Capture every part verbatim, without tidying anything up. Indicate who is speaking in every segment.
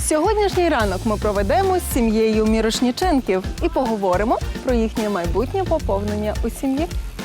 Speaker 1: Сьогоднішній ранок ми проведемо з сім'єю Мірошніченків і поговоримо про їхнє майбутнє поповнення у сім'ї.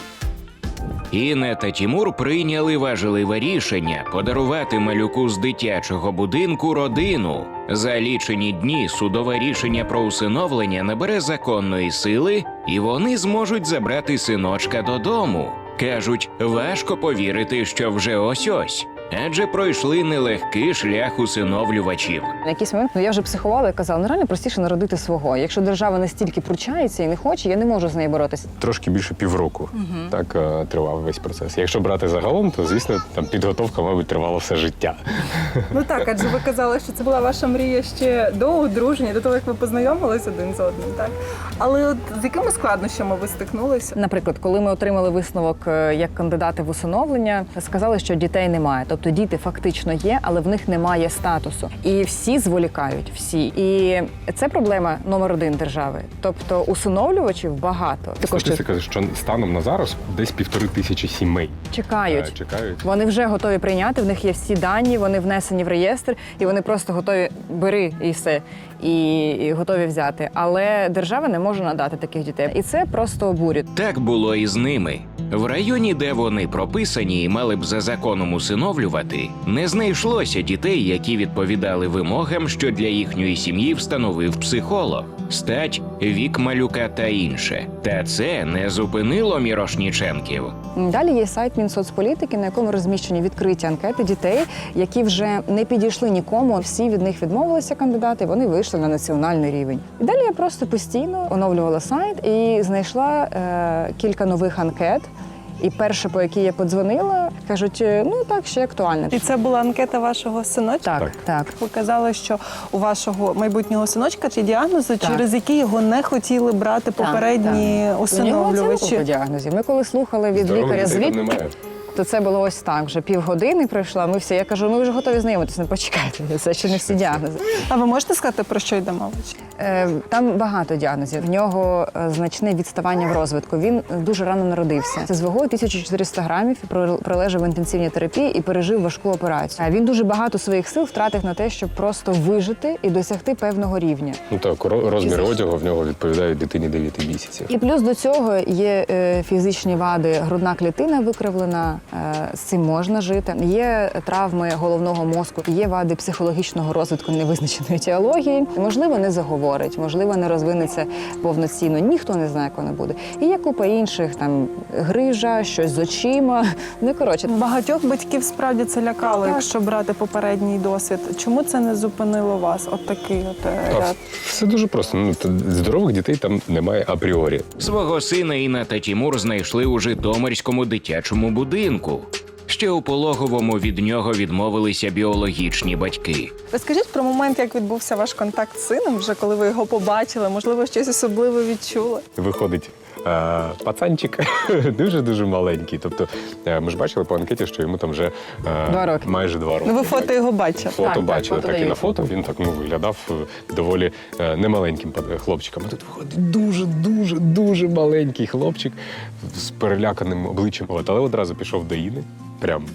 Speaker 2: Інна та Тімур прийняли важливе рішення подарувати малюку з дитячого будинку родину. За лічені дні судове рішення про усиновлення набере законної сили, і вони зможуть забрати синочка додому. Кажуть, важко повірити, що вже ось-ось. Адже пройшли нелегкий шлях усиновлювачів.
Speaker 3: На якийсь момент ну, я вже психувала і казала, ну реально простіше народити свого. Якщо держава настільки пручається і не хоче, я не можу з нею боротися.
Speaker 4: Трошки більше півроку угу. так е, тривав весь процес. Якщо брати загалом, то, звісно, там підготовка, мабуть, тривала все життя.
Speaker 1: Ну так, адже ви казали, що це була ваша мрія ще до одруження, до того, як ви познайомились один з одним, так? Але от з якими складнощами ви стикнулися?
Speaker 3: Наприклад, коли ми отримали висновок як кандидати в усиновлення, сказали, що дітей немає. Тобто діти фактично є, але в них немає статусу. І всі зволікають, всі. І це проблема номер один держави. Тобто усиновлювачів багато.
Speaker 4: Статистика, що станом на зараз десь півтори тисячі сімей
Speaker 3: чекають.
Speaker 4: Е, чекають.
Speaker 3: Вони вже готові прийняти, в них є всі дані, вони внесені в реєстр, і вони просто готові бери і все. І, і готові взяти. Але держава не може надати таких дітей. І це просто обурює.
Speaker 2: Так було і з ними. В районі, де вони прописані і мали б за законом усиновлювати, не знайшлося дітей, які відповідали вимогам, що для їхньої сім'ї встановив психолог. Стать, вік малюка та інше. Та це не зупинило Мірошніченків.
Speaker 3: Далі є сайт Мінсоцполітики, на якому розміщені відкриті анкети дітей, які вже не підійшли нікому. Всі від них відмовилися кандидати, вони вийшли на національний рівень. І далі я просто постійно оновлювала сайт і знайшла е, кілька нових анкет. І перша, по якій я подзвонила, кажуть, ну так, ще актуально.
Speaker 1: І це була анкета вашого синочка?
Speaker 3: Так, так.
Speaker 1: Ви казали, що у вашого майбутнього синочка ті діагнози,
Speaker 3: Так.
Speaker 1: через які його не хотіли брати попередні
Speaker 3: так, так.
Speaker 1: усиновлювачі.
Speaker 3: У нього діагнозів. Ми коли слухали від
Speaker 4: Здорових
Speaker 3: лікаря
Speaker 4: дітей там
Speaker 3: звідки,
Speaker 4: немає.
Speaker 3: то це було ось так. Вже півгодини пройшла, ми всі. Я кажу, ми вже готові знайомитися, не почекайте, це ще не всі діагнози.
Speaker 1: А ви можете сказати, про що йде мова?
Speaker 3: Е, Там багато діагнозів. В нього е, значне відставання в розвитку. Він дуже рано народився. Це з вагою тисяча чотириста грамів, пролежав в інтенсивній терапії і пережив важку операцію. Він дуже багато своїх сил втратив на те, щоб просто вижити і досягти певного рівня.
Speaker 4: Ну так, розмір одягу в нього відповідають дитині дев'яти місяців.
Speaker 3: І плюс до цього є е, фізичні вади, грудна клітина викривлена, е, з цим можна жити. Є травми головного мозку, є вади психологічного розвитку невизначеної етіології. Можливо, не заговорить, можливо, не розвинеться повноцінно. Ніхто не знає, як воно буде. І є купа інших, там, грижа, щось з очима. Ну, коротше.
Speaker 1: Багатьох батьків справді це лякало,
Speaker 3: Так.
Speaker 1: якщо брати попередній досвід. Чому це не зупинило вас? От такий от е,
Speaker 4: А,
Speaker 1: ряд.
Speaker 4: все дуже просто. Ну, то здорових дітей там немає апріорі.
Speaker 2: Свого сина Інна та Тімур знайшли у Житомирському дитячому будинку. Ще у пологовому від нього відмовилися біологічні батьки.
Speaker 1: Розкажіть про момент, як відбувся ваш контакт з сином, вже коли ви його побачили, можливо, щось особливе відчули?
Speaker 4: Виходить е, пацанчик дуже-дуже маленький. Тобто е, ми ж бачили по анкеті, що йому там вже е,
Speaker 3: Два роки.
Speaker 4: майже два роки.
Speaker 1: Ну, ви фото його бачили.
Speaker 4: Фото
Speaker 3: Так, так,
Speaker 4: бачили,
Speaker 3: фото
Speaker 4: так, і на
Speaker 3: дають.
Speaker 4: фото він так ну, виглядав е, доволі е, немаленьким пад- хлопчиком. А тут виходить дуже-дуже-дуже маленький хлопчик з переляканим обличчям. От, але одразу пішов до Іни, прям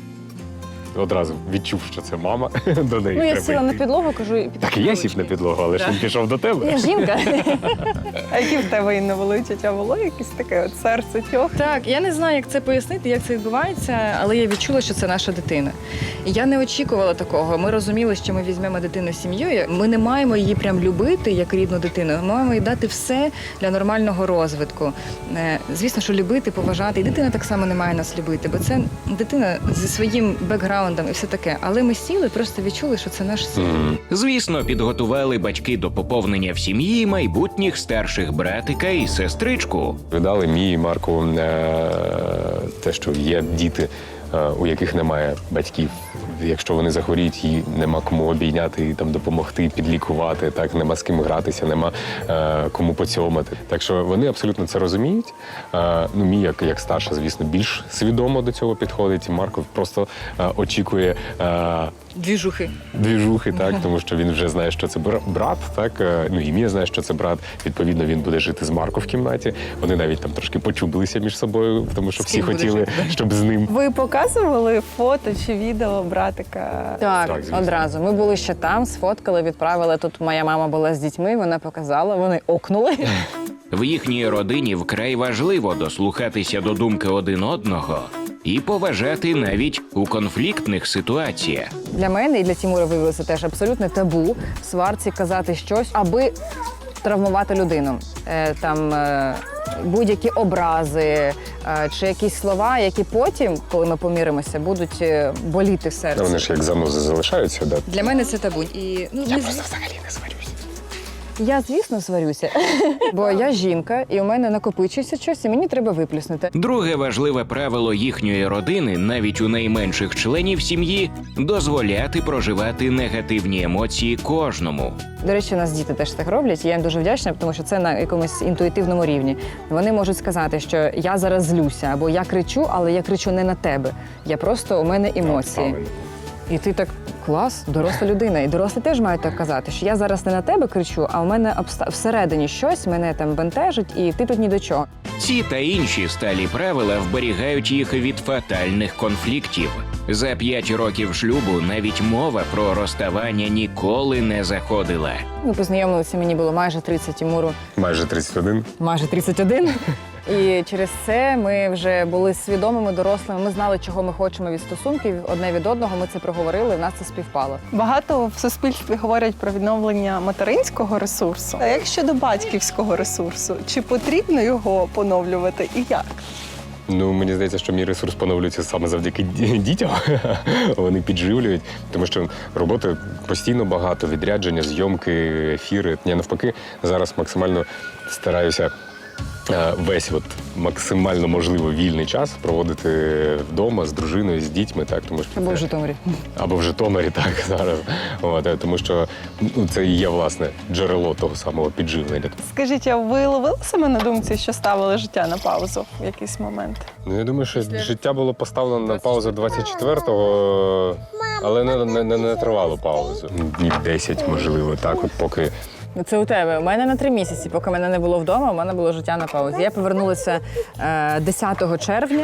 Speaker 4: одразу відчув, що це мама, до неї
Speaker 3: Ну, я
Speaker 4: треба
Speaker 3: сіла на
Speaker 4: йти.
Speaker 3: підлогу, кажу, і
Speaker 4: Так і я сів на підлогу, але ж він пішов до тебе.
Speaker 3: Я жінка.
Speaker 1: А які в тебе, Інна, були відчуття? Було якесь таке от серце тьох?
Speaker 3: Так, я не знаю, як це пояснити, як це відбувається, але я відчула, що це наша дитина. І я не очікувала такого. Ми розуміли, що ми візьмемо дитину сім'єю. Ми не маємо її прям любити як рідну дитину. Ми маємо їй дати все для нормального розвитку. Е, Звісно, що любити, поважати. І дитина так само не має нас любити, бо це дитина зі своїм бекграундом і все таке. Але ми сіли, просто відчули, що це наш син.
Speaker 4: Мгм.
Speaker 2: Звісно, підготували батьки до поповнення в сім'ї майбутніх старших братика і сестричку.
Speaker 4: Видали мій і Марку е, те, що є діти, е, у яких немає батьків. Якщо вони захворіють, і нема кому обійняти, і там допомогти, підлікувати, так нема з ким гратися, нема е, кому поцьомати. Так що вони абсолютно це розуміють. Е, ну, мій як, як старша, звісно, більш свідомо до цього підходить. Марко просто е, очікує. Е,
Speaker 3: Двіжухи.
Speaker 4: двіжухи, так, тому що він вже знає, що це бра- брат, так, е, ну і Мія знає, що це брат. Відповідно, він буде жити з Марко в кімнаті. Вони навіть там трошки почубилися між собою, тому що
Speaker 3: З
Speaker 4: всі
Speaker 3: ким буде
Speaker 4: хотіли,
Speaker 3: жити, да?
Speaker 4: щоб з ним.
Speaker 1: Ви показували фото чи відео братика?
Speaker 3: Так,
Speaker 4: Так, звісно.
Speaker 3: одразу. Ми були ще там, сфоткали, відправили. Тут моя мама була з дітьми, вона показала, вони окнули.
Speaker 2: В їхній родині вкрай важливо дослухатися до думки один одного і поважати навіть у конфліктних ситуаціях.
Speaker 3: Для мене і для Тімура виявилося теж абсолютне табу в сварці казати щось, аби травмувати людину. Е, там е, будь-які образи е, чи якісь слова, які потім, коли ми поміримося, будуть е, боліти в серці.
Speaker 4: Вони ж як занузи залишаються, да.
Speaker 3: Для мене це табу. І, ну,
Speaker 4: Я
Speaker 3: ми-
Speaker 4: просто взагалі не сварюся.
Speaker 3: Я, звісно, сварюся, бо я жінка, і у мене накопичується щось, і мені треба виплюснути.
Speaker 2: Друге важливе правило їхньої родини, навіть у найменших членів сім'ї, дозволяти проживати негативні емоції кожному.
Speaker 3: До речі, у нас діти теж так роблять, і я їм дуже вдячна, тому що це на якомусь інтуїтивному рівні. Вони можуть сказати, що я зараз злюся, або я кричу, але я кричу не на тебе. Я просто, у мене емоції.
Speaker 4: Правильно.
Speaker 3: І ти так, клас, доросла людина. І дорослі теж мають так казати, що я зараз не на тебе кричу, а у мене обста- всередині щось мене там бентежить, і ти тут ні до чого.
Speaker 2: Ці та інші сталі правила вберігають їх від фатальних конфліктів. За п'ять років шлюбу навіть мова про розставання ніколи не заходила.
Speaker 3: Ми познайомилися, мені було майже тридцять, Тимуру
Speaker 4: Майже тридцять один.
Speaker 3: майже тридцять один. І через це ми вже були свідомими, дорослими. Ми знали, чого ми хочемо від стосунків одне від одного. Ми це проговорили, в нас це співпало.
Speaker 1: Багато в суспільстві говорять про відновлення материнського ресурсу. А як щодо батьківського ресурсу? Чи потрібно його поновлювати і як?
Speaker 4: Ну, мені здається, що мій ресурс поновлюється саме завдяки ді- дітям. Вони підживлюють, тому що роботи постійно багато, відрядження, зйомки, ефіри. Я навпаки зараз максимально стараюся е, весь от максимально можливо вільний час проводити вдома з дружиною, з дітьми, так, тому що
Speaker 3: Або в
Speaker 4: це-
Speaker 3: Житомирі.
Speaker 4: або в Житомирі, так, зараз. От, е, тому що ну, це і є, власне, джерело того самого підживлення.
Speaker 1: Скажіть, а ви ловили себе на думці, що ставили життя на паузу в якийсь момент?
Speaker 4: Ну, я думаю, що життя було поставлено на паузу двадцять четвертого, але не, не, не, не тривало паузу. Днів десять, можливо, так, от поки.
Speaker 3: Ну, це у тебе. У мене на три місяці, поки мене не було вдома, у мене було життя на паузі. Я повернулася е, десятого червня,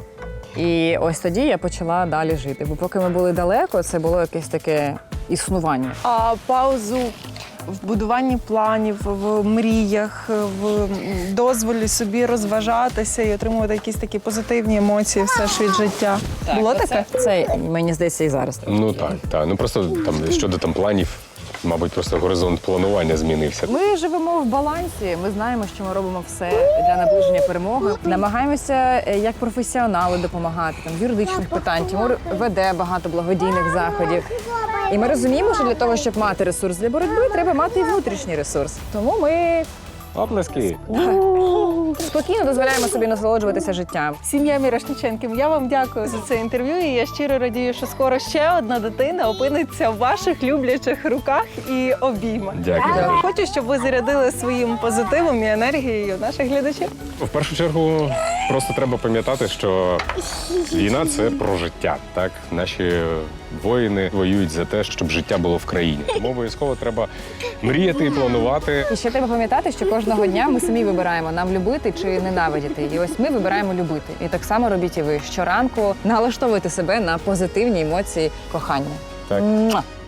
Speaker 3: і ось тоді я почала далі жити. Бо поки ми були далеко, це було якесь таке існування.
Speaker 1: А паузу в будуванні планів, в мріях, в дозволі собі розважатися і отримувати якісь такі позитивні емоції все ж від життя. Було таке?
Speaker 3: Це, мені здається, і зараз. так.
Speaker 4: Ну так, так. Ну просто там щодо там планів, мабуть, просто горизонт планування змінився.
Speaker 3: Ми живемо в балансі. Ми знаємо, що ми робимо все для наближення перемоги. Намагаємося е, як професіонали допомагати там з юридичних питань. Тимур веде багато благодійних заходів. І ми розуміємо, що для того, щоб мати ресурс для боротьби, треба мати і внутрішній ресурс. Тому ми
Speaker 4: Оплески!
Speaker 3: спокійно дозволяємо собі насолоджуватися життям.
Speaker 1: Сім'я Мірошниченків, я вам дякую за це інтерв'ю. І я щиро радію, що скоро ще одна дитина опиниться в ваших люблячих руках і обіймах.
Speaker 4: Дякую дуже.
Speaker 1: Хочу, щоб ви зарядили своїм позитивом і енергією наших глядачів.
Speaker 4: В першу чергу просто треба пам'ятати, що війна це про життя. Так, наші воїни воюють за те, щоб життя було в країні. Тому обов'язково треба мріяти і планувати.
Speaker 3: І ще треба пам'ятати, що кожного дня ми самі вибираємо, нам любити чи ненавидіти. І ось ми вибираємо любити. І так само робіть і ви. Щоранку налаштовуйте себе на позитивні емоції кохання.
Speaker 4: Так.
Speaker 3: Муа!